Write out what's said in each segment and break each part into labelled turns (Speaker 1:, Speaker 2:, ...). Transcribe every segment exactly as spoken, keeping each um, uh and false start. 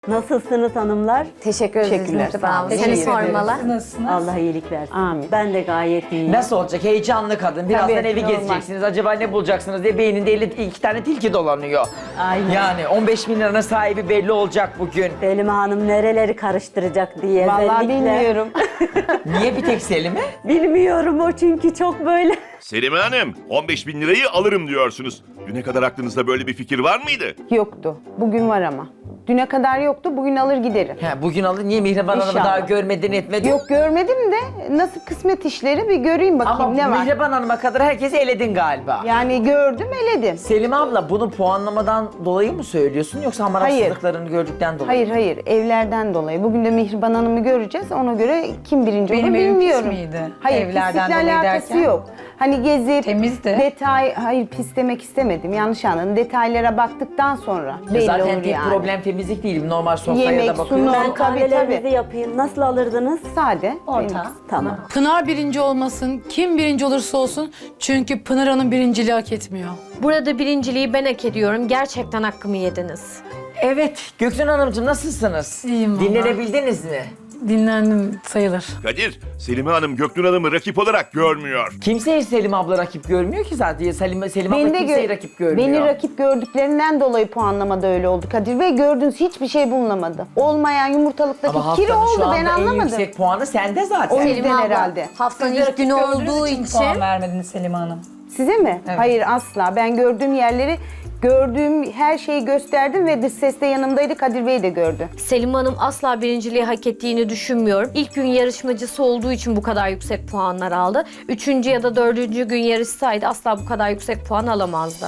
Speaker 1: Nasılsınız hanımlar?
Speaker 2: Teşekkür ederiz.
Speaker 3: Teşekkürler,
Speaker 2: Mihri
Speaker 3: sağ olun.
Speaker 2: Hanım. Seni
Speaker 3: Teşekkür
Speaker 2: sormalı.
Speaker 4: Nasılsınız?
Speaker 1: Allah iyilik versin.
Speaker 3: Amin.
Speaker 1: Ben de gayet iyiyim.
Speaker 5: Nasıl olacak? Heyecanlı kadın. Birazdan
Speaker 3: Tabii,
Speaker 5: evi
Speaker 3: normal.
Speaker 5: gezeceksiniz. Acaba ne bulacaksınız diye beyninde elli, iki tane tilki dolanıyor.
Speaker 1: Aynen.
Speaker 5: Yani on beş bin liranın sahibi belli olacak bugün.
Speaker 1: Selime Hanım nereleri karıştıracak diye
Speaker 3: Vallahi
Speaker 1: özellikle.
Speaker 3: bilmiyorum.
Speaker 5: Niye bir tek Selim'e?
Speaker 1: Bilmiyorum o çünkü çok böyle.
Speaker 6: Selime Hanım, on beş bin lirayı alırım diyorsunuz. Düne kadar aklınızda böyle bir fikir var mıydı?
Speaker 3: Yoktu. Bugün var ama. Düne kadar yoktu. Bugün alır giderim.
Speaker 5: He, bugün alın. Niye Mihriban Hanım'ı
Speaker 3: İnşallah.
Speaker 5: daha görmedin etmedin?
Speaker 3: Yok görmedim de nasıl kısmet işleri bir göreyim bakayım
Speaker 5: Ama
Speaker 3: ne var.
Speaker 5: Mihriban Hanım'a kadar herkesi eledin galiba.
Speaker 3: Yani gördüm eledim.
Speaker 5: Selim abla bunu puanlamadan dolayı mı söylüyorsun yoksa hamaratsızlıklarını gördükten dolayı
Speaker 3: Hayır
Speaker 5: mı?
Speaker 3: hayır evlerden dolayı. Bugün de Mihriban Hanım'ı göreceğiz. Ona göre kim birinci olur
Speaker 4: Benim evim pis
Speaker 3: bilmiyorum.
Speaker 4: miydi?
Speaker 3: Hayır
Speaker 4: Evlerden
Speaker 3: pislikle
Speaker 4: dolayı
Speaker 3: alakası
Speaker 4: derken?
Speaker 3: yok. Hani gezip
Speaker 4: Temizdi.
Speaker 3: detay, hayır pis demek istemedim yanlış anladın. Detaylara baktıktan sonra belli
Speaker 5: Zaten
Speaker 3: olur
Speaker 5: tek
Speaker 3: yani.
Speaker 5: problem temizlik değil. Normal sofraya
Speaker 3: Yemek,
Speaker 5: da bakıyorum.
Speaker 3: sunum.
Speaker 1: Ben
Speaker 3: Tabii,
Speaker 1: kahvelerinizi
Speaker 3: tabii.
Speaker 1: yapayım. Nasıl alırdınız?
Speaker 3: Sade.
Speaker 4: Orta.
Speaker 1: Tamam.
Speaker 7: Pınar birinci olmasın, kim birinci olursa olsun çünkü Pınar Hanım birinciliği hak etmiyor.
Speaker 2: Burada birinciliği ben hak ediyorum. Gerçekten hakkımı yediniz.
Speaker 5: Evet. Gökçen Hanımcığım nasılsınız?
Speaker 7: İyiyim valla.
Speaker 5: Dinlenebildiniz mi?
Speaker 7: Dinlendim sayılır.
Speaker 6: Kadir, Selime Hanım Göknur Hanım'ı rakip olarak görmüyor.
Speaker 5: Kimseyi Selim abla rakip görmüyor ki zaten. Selim, Selim abla
Speaker 3: Beni de
Speaker 5: kimseyi
Speaker 3: gö-
Speaker 5: rakip görmüyor.
Speaker 3: Beni rakip gördüklerinden dolayı puanlamada öyle oldu Kadir Bey. Gördünüz hiçbir şey bulunamadı. Olmayan yumurtalıktaki
Speaker 5: Ama
Speaker 3: kiri
Speaker 5: haftanın şu
Speaker 3: oldu ben
Speaker 5: anda en
Speaker 3: anlamadım.
Speaker 5: yüksek puanı sende zaten.
Speaker 3: O yüzden
Speaker 2: Selim abla,
Speaker 3: herhalde.
Speaker 2: haftanın
Speaker 4: Siz
Speaker 2: ilk
Speaker 4: rakip
Speaker 2: günü
Speaker 4: gördüğünüz
Speaker 2: olduğu
Speaker 4: için
Speaker 2: için
Speaker 4: puan vermediniz Selime Hanım.
Speaker 3: Size mi?
Speaker 4: Evet.
Speaker 3: Hayır asla. Ben gördüğüm yerleri, gördüğüm her şeyi gösterdim ve dış ses de yanımdaydı. Kadir Bey de gördü.
Speaker 2: Selim Hanım asla birinciliği hak ettiğini düşünmüyorum. İlk gün yarışmacısı olduğu için bu kadar yüksek puanlar aldı. Üçüncü ya da dördüncü gün yarışsaydı asla bu kadar yüksek puan alamazdı.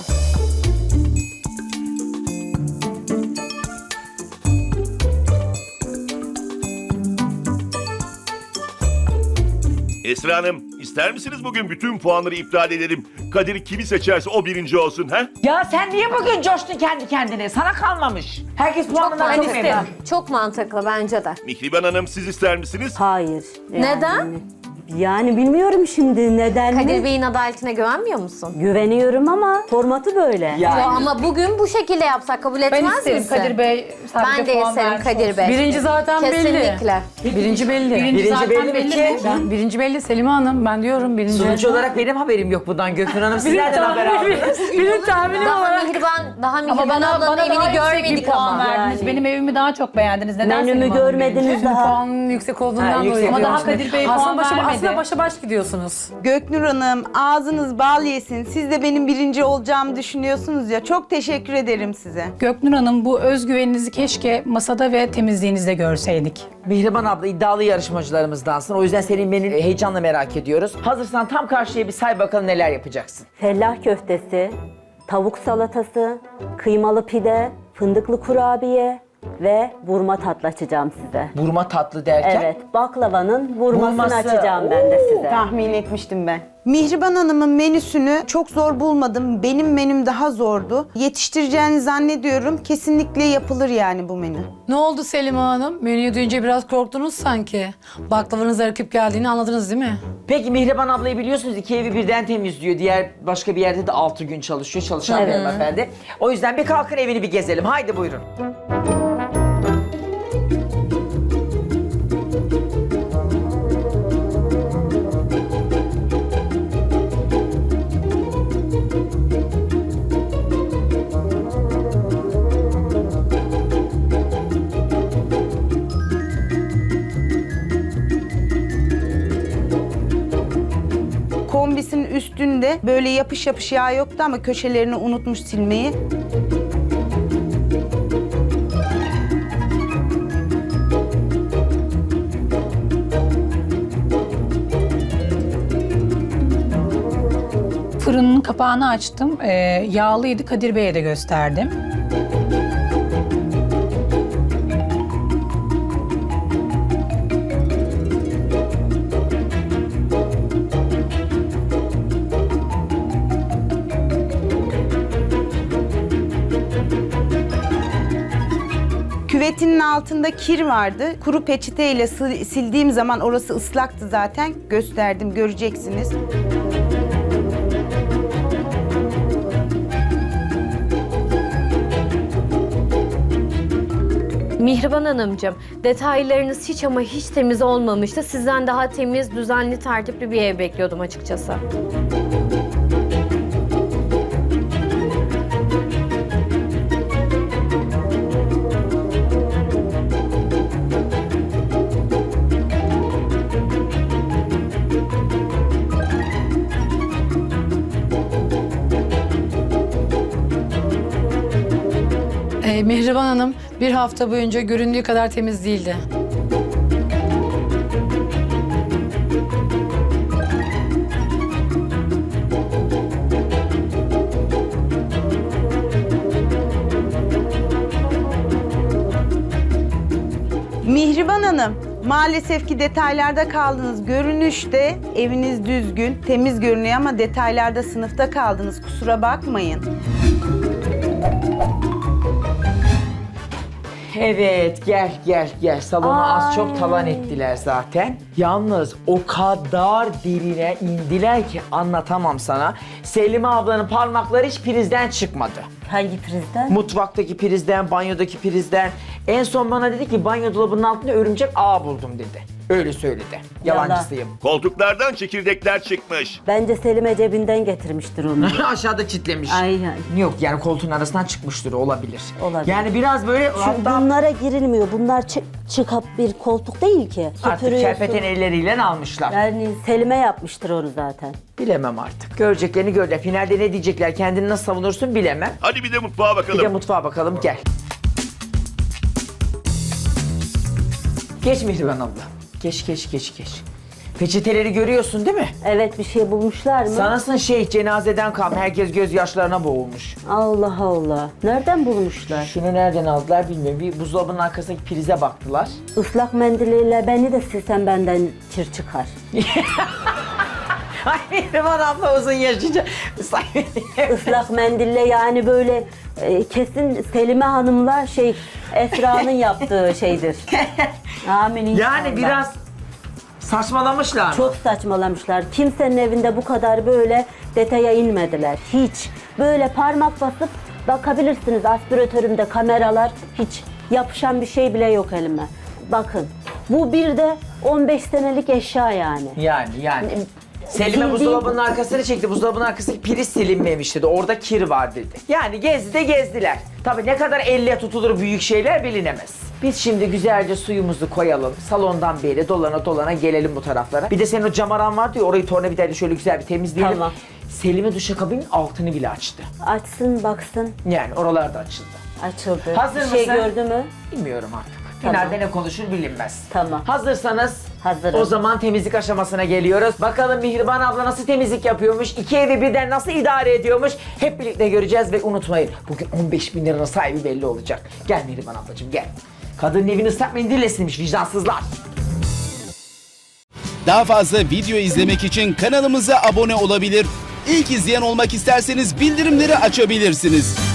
Speaker 6: Esra Hanım, ister misiniz bugün bütün puanları iptal edelim? Kadir kimi seçerse o birinci olsun, ha?
Speaker 5: Ya sen niye bugün coştun kendi kendine? Sana kalmamış. Herkes puanından
Speaker 2: Ben
Speaker 5: çok
Speaker 2: isterim.
Speaker 5: memnun.
Speaker 2: Çok mantıklı bence de.
Speaker 6: Mihriban Hanım, siz ister misiniz?
Speaker 1: Hayır. Yani-
Speaker 2: Neden?
Speaker 1: Yani bilmiyorum şimdi neden
Speaker 2: Kadir
Speaker 1: mi?
Speaker 2: Bey'in adaletine güvenmiyor musun?
Speaker 1: Güveniyorum ama formatı böyle.
Speaker 2: Ya
Speaker 5: Yani
Speaker 2: ama bugün bu şekilde yapsak kabul etmez
Speaker 4: Ben isterim
Speaker 2: misin?
Speaker 4: Kadir Bey sadece
Speaker 2: Ben de
Speaker 4: puan
Speaker 2: isterim
Speaker 4: vermiş
Speaker 2: Kadir
Speaker 4: olsun.
Speaker 2: Bey.
Speaker 7: Birinci zaten belli.
Speaker 2: Kesinlikle.
Speaker 7: Birinci belli.
Speaker 4: Birinci,
Speaker 5: Birinci
Speaker 4: zaten
Speaker 5: belli mi
Speaker 4: belli
Speaker 5: ki?
Speaker 4: mi?
Speaker 7: Ben, birinci belli Selime Hanım. Ben diyorum birinci.
Speaker 5: sonuç olarak benim haberim yok bundan Göknur Hanım. Siz nereden haber aldınız?
Speaker 7: Benim tahminim
Speaker 2: Daha
Speaker 7: olarak.
Speaker 2: Mihriban, daha
Speaker 4: Ama
Speaker 2: Mihriban
Speaker 4: bana,
Speaker 2: ablanın
Speaker 4: bana daha
Speaker 2: evini
Speaker 4: yüksek bir
Speaker 2: görmedik
Speaker 4: puan
Speaker 2: ama.
Speaker 4: verdiniz.
Speaker 1: Yani.
Speaker 4: Benim evimi daha çok beğendiniz. Neden
Speaker 1: Menümü
Speaker 4: Selime Hanım
Speaker 1: görmediniz
Speaker 4: birinci?
Speaker 1: daha.
Speaker 7: Puanın yüksek olduğundan
Speaker 5: Ha,
Speaker 7: dolayı.
Speaker 5: yüksek.
Speaker 4: Ama daha
Speaker 7: diyorum.
Speaker 4: Kadir Bey
Speaker 7: aslında
Speaker 4: puan
Speaker 7: başa,
Speaker 4: vermedi.
Speaker 7: aslında başa baş gidiyorsunuz.
Speaker 3: Göknur Hanım ağzınız bal yesin. Siz de benim birinci olacağımı düşünüyorsunuz ya. Çok teşekkür ederim size.
Speaker 4: Göknur Hanım bu özgüveninizi keşke masada ve temizliğinizde görseydik.
Speaker 5: Mihriban abla iddialı yarışmacılarımızdansın. O yüzden senin beni heyecanla merak ediyoruz. Hazırsan tam karşıya bir say bakalım neler yapacaksın.
Speaker 1: Fellah köftesi, tavuk salatası, kıymalı pide, fındıklı kurabiye ve vurma tatlı açacağım size.
Speaker 5: Burma tatlı derken.
Speaker 1: Evet, baklavanın vurmasını
Speaker 5: Vurması.
Speaker 1: açacağım ben de size.
Speaker 3: Tahmin etmiştim ben. Mihriban Hanım'ın menüsünü çok zor bulmadım. Benim menüm daha zordu. Yetiştireceğini zannediyorum. Kesinlikle yapılır yani bu menü.
Speaker 7: Ne oldu Selime Hanım? Menüyü duyunca biraz korktunuz sanki. Baklavanıza rakip geldiğini anladınız değil mi?
Speaker 5: Peki Mihriban ablayı biliyorsunuz iki evi birden temizliyor. Diğer başka bir yerde de altı gün çalışıyor. Çalışan bir
Speaker 1: Evet.
Speaker 5: hanımefendi. O yüzden bir kalkın evini bir gezelim. Haydi buyurun.
Speaker 3: Kombisinin üstünde böyle yapış yapış yağ yoktu ama köşelerini unutmuş silmeyi.
Speaker 4: Fırının kapağını açtım. Ee, yağlıydı. Kadir Bey'e de gösterdim.
Speaker 3: Küvetinin altında kir vardı. Kuru peçeteyle sil- sildiğim zaman orası ıslaktı zaten. Gösterdim, göreceksiniz.
Speaker 2: Mihriban Hanımcığım, detaylarınız hiç ama hiç temiz olmamıştı. Sizden daha temiz, düzenli, tertipli bir ev bekliyordum açıkçası.
Speaker 7: Ee, Mihriban Hanım bir hafta boyunca göründüğü kadar temiz değildi.
Speaker 3: Mihriban Hanım, maalesef ki detaylarda kaldınız. Görünüşte eviniz düzgün, temiz görünüyor ama detaylarda sınıfta kaldınız. Kusura bakmayın.
Speaker 5: Evet gel gel gel. Salonu az çok talan ettiler zaten. Yalnız o kadar derine indiler ki anlatamam sana. Selime ablanın parmakları hiç prizden çıkmadı.
Speaker 1: Hangi prizden?
Speaker 5: Mutfaktaki prizden, banyodaki prizden. En son bana dedi ki banyo dolabının altında örümcek ağ buldum dedi. Öyle söyledi. Yalancısıyım.
Speaker 6: Koltuklardan çekirdekler çıkmış.
Speaker 1: Bence Selime cebinden getirmiştir onu.
Speaker 5: Aşağıda çitlemiş.
Speaker 1: Ay, ay.
Speaker 5: Yok yani koltuğun arasından çıkmıştır olabilir.
Speaker 1: Olabilir.
Speaker 5: Yani biraz böyle
Speaker 1: Şu
Speaker 5: hatta
Speaker 1: bunlara girilmiyor. Bunlar çık çıkıp bir koltuk değil ki.
Speaker 5: artık
Speaker 1: Süpürüyorsun.
Speaker 5: kerpeten elleriyle almışlar.
Speaker 1: Yani Selime yapmıştır onu zaten.
Speaker 5: Bilemem artık. Göreceklerini gördüler. Finalde ne diyecekler, kendini nasıl savunursun bilemem.
Speaker 6: Hadi bir de mutfağa
Speaker 5: Bir de
Speaker 6: bakalım.
Speaker 5: mutfağa bakalım gel. Geç Mihriban abla. Geç geç geç geç. Peçeteleri görüyorsun değil mi?
Speaker 1: Evet, bir şey bulmuşlar mı?
Speaker 5: Sanasın şey cenazeden kalma. Herkes gözyaşlarına boğulmuş.
Speaker 1: Allah Allah. Nereden bulmuşlar?
Speaker 5: Şunu nereden aldılar bilmiyorum. Bir buzdolabının arkasındaki prize baktılar.
Speaker 1: Islak mendiliyle beni de silsen benden çır çıkar.
Speaker 5: Ay Mihriban abla uzun yaşayacak.
Speaker 1: Islak mendille yani böyle e, kesin Selime Hanım'la şey Esra'nın yaptığı şeydir. Amin inşallah.
Speaker 5: Yani biraz saçmalamışlar mı?
Speaker 1: Çok saçmalamışlar. Kimsenin evinde bu kadar böyle detaya inmediler. Hiç. Böyle parmak basıp bakabilirsiniz aspiratörümde kameralar. Hiç yapışan bir şey bile yok elime. Bakın. Bu bir de on beş senelik eşya yani.
Speaker 5: Yani yani. Selime
Speaker 1: Bildiğin-
Speaker 5: buzdolabının arkasını çekti. Buzdolabının arkasındaki priz silinmemiş dedi. Orada kir var dedi. Yani gezdi de gezdiler. Tabii ne kadar elle tutulur büyük şeyler bilinemez. Biz şimdi güzelce suyumuzu koyalım. Salondan beri dolana dolana gelelim bu taraflara. Bir de senin o camaran vardı ya orayı tornavidayla şöyle güzel bir temizleyelim.
Speaker 1: Tamam.
Speaker 5: Selim'e duşakabinin altını bile açtı.
Speaker 1: Açsın baksın.
Speaker 5: Yani oralar da açıldı.
Speaker 1: Açıldı.
Speaker 5: Hazır
Speaker 1: bir şey
Speaker 5: mısın?
Speaker 1: gördü mü?
Speaker 5: Bilmiyorum artık.
Speaker 1: Tamam.
Speaker 5: Finalde ne konuşur bilinmez.
Speaker 1: Tamam.
Speaker 5: Hazırsanız
Speaker 1: Hazırım.
Speaker 5: o zaman temizlik aşamasına geliyoruz. Bakalım Mihriban abla nasıl temizlik yapıyormuş, iki evi birden nasıl idare ediyormuş hep birlikte göreceğiz ve unutmayın bugün on beş bin liranın sahibi belli olacak. Gel Mihriban ablacığım gel. Kadının evini ıslak mendille silmiş vicdansızlar.
Speaker 8: Daha fazla video izlemek için kanalımıza abone olabilir. İlk izleyen olmak isterseniz bildirimleri açabilirsiniz.